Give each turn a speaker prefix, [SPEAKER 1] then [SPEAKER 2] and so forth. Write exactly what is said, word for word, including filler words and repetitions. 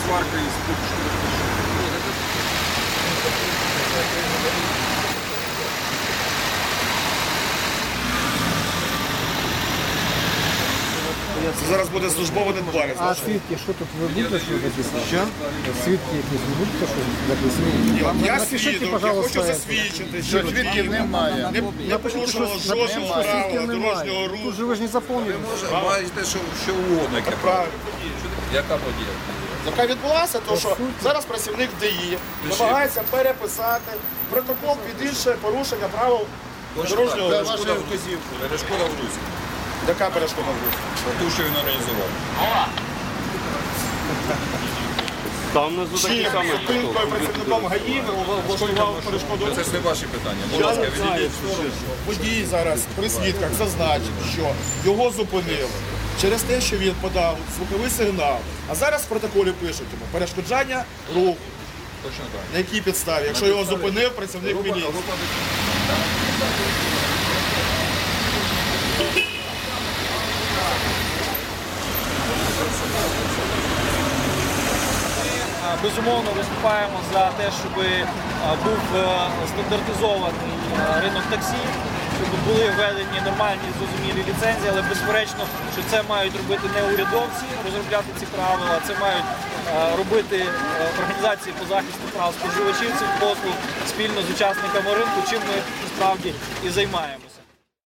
[SPEAKER 1] сварка із подушкою.
[SPEAKER 2] Це зараз буде службова недбалість.
[SPEAKER 3] А свідки, що тут ви будете що записати? Що? Свідки якісь ви будете що записати?
[SPEAKER 2] Я
[SPEAKER 3] Напишіть,
[SPEAKER 2] свідок, я
[SPEAKER 3] пожалуйста,
[SPEAKER 2] хочу
[SPEAKER 3] це.
[SPEAKER 2] засвідчити,
[SPEAKER 1] Що
[SPEAKER 2] що
[SPEAKER 1] свідків немає.
[SPEAKER 2] не, не порушувало жодного правила дорожнього
[SPEAKER 3] Тут
[SPEAKER 2] руху.
[SPEAKER 3] же ви ж не заповнили.
[SPEAKER 1] Бачите, що, що угодно, яке
[SPEAKER 2] Правильно.
[SPEAKER 1] яка подія.
[SPEAKER 2] Яка відбулася, то що зараз працівник ДАІ намагається переписати протокол під інше порушення правил дорожнього руху.
[SPEAKER 1] Перешкода в вказівку. Перешкода в русі.
[SPEAKER 2] Яка перешкода в руху?
[SPEAKER 1] Ту, що він організував.
[SPEAKER 4] Там внизу
[SPEAKER 2] Чи
[SPEAKER 4] такі самі.
[SPEAKER 2] зупинкою працівником ГАІ влаштував перешкоду
[SPEAKER 1] Це
[SPEAKER 2] руху?
[SPEAKER 1] ж не ваші питання. Будь ласка, відійдіть.
[SPEAKER 2] Водій зараз при свідках зазначив, що його зупинили через те, що він подав звуковий сигнал. А зараз в протоколі пишуть йому перешкоджання руху.
[SPEAKER 1] Точно так.
[SPEAKER 2] На якій підставі? Якщо його зупинив працівник міліції.
[SPEAKER 5] Безумовно, виступаємо за те, щоб був стандартизований ринок таксі, щоб були введені нормальні зрозумілі ліцензії, але безперечно, що це мають робити не урядовці, розробляти ці правила, це мають робити організації по захисту прав споживачів цих послуг спільно з учасниками ринку, чим ми насправді і займаємося.